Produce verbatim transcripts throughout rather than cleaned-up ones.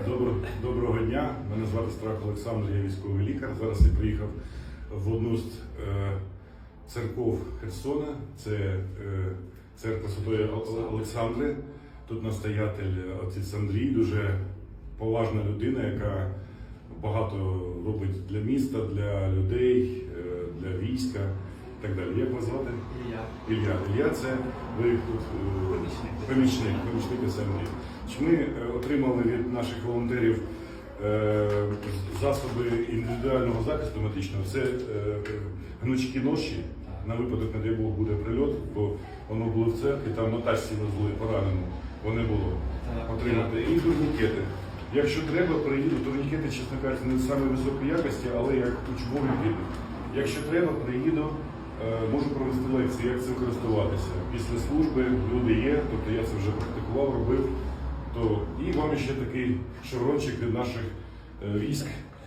Добро, доброго дня, мене звати Страх Олександр, я військовий лікар. Зараз я приїхав в одну з е, церков Херсона, це е, церква Святої Олександри. Тут настоятель отець Андрій, дуже поважна людина, яка багато робить для міста, для людей, е, для війська і так далі. Як вас звати? Ілля. Ілля. Ілля, це ви тут е, помічник, помічник отця Андрія. Ми е, отримали від наших волонтерів е, засоби індивідуального захисту медичного. Це е, гнучкі ноші, на випадок, не дай Бог, буде прильот, бо воно було в церкві, там на тачці везли поранену, вони було отримати. І турнікети. Якщо треба, приїду, турнікети, чесно кажучи, не саме високої якості, але як учбові підуть. Якщо треба, приїду, е, можу провести лекції, як цим користуватися. Після служби люди є, тобто я це вже практикував, робив. То і вам ще такий шеврончик від наших е, військ.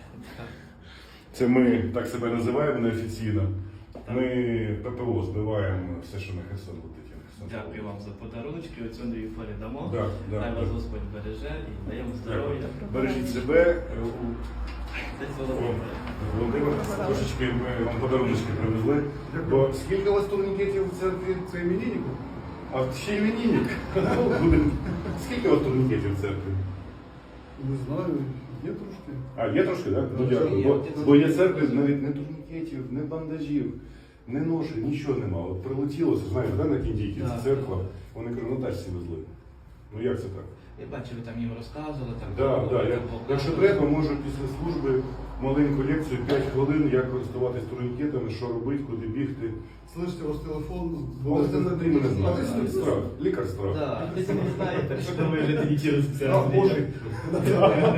Це ми так себе називаємо неофіційно. Ми ППО збиваємо все, що на Херсон летить. Дякую вам за подарунки, оцю Андрію передамо. Да, да, Хай да. вас Господь береже і даємо здоров'я. Бережіть себе. Десь Володимир. Володимир, трошечки ми вам подарунки привезли. Бо скільки у вас турнікетів в церкві? Це імениннику? А ще іменинник. Скільки у вас турнікетів в церкві? Не знаю, є трошки. А, є трошки, так? Ну, Є, дякую. є. Бо, бо є церкви, навіть не турнікетів, не бандажів, не ноші, нічого нема. От прилетіло, це, знаєте, да, на Кіндійки, Так. це церква, вони, кажуть, на тачці везли. Ну як це так? Я бачу, ви там їм розказували. Там, Да, було, да, там я, показували. якщо треба, можу після служби маленьку лекцію, п'ять хвилин, як користуватись турнікетами, що робити, куди бігти. Слышите, ваш телефон. Олександр Андрій мене знає. А, Страх, лікар страх. Так, ви самі знаєте, що ви вже тоді через це. Страх Божий.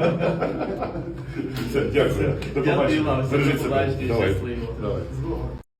Все, дякую. До Дякую побачення. вам, Бережіть до себе. побачення, Давай. щасливо. Давай. З Богом.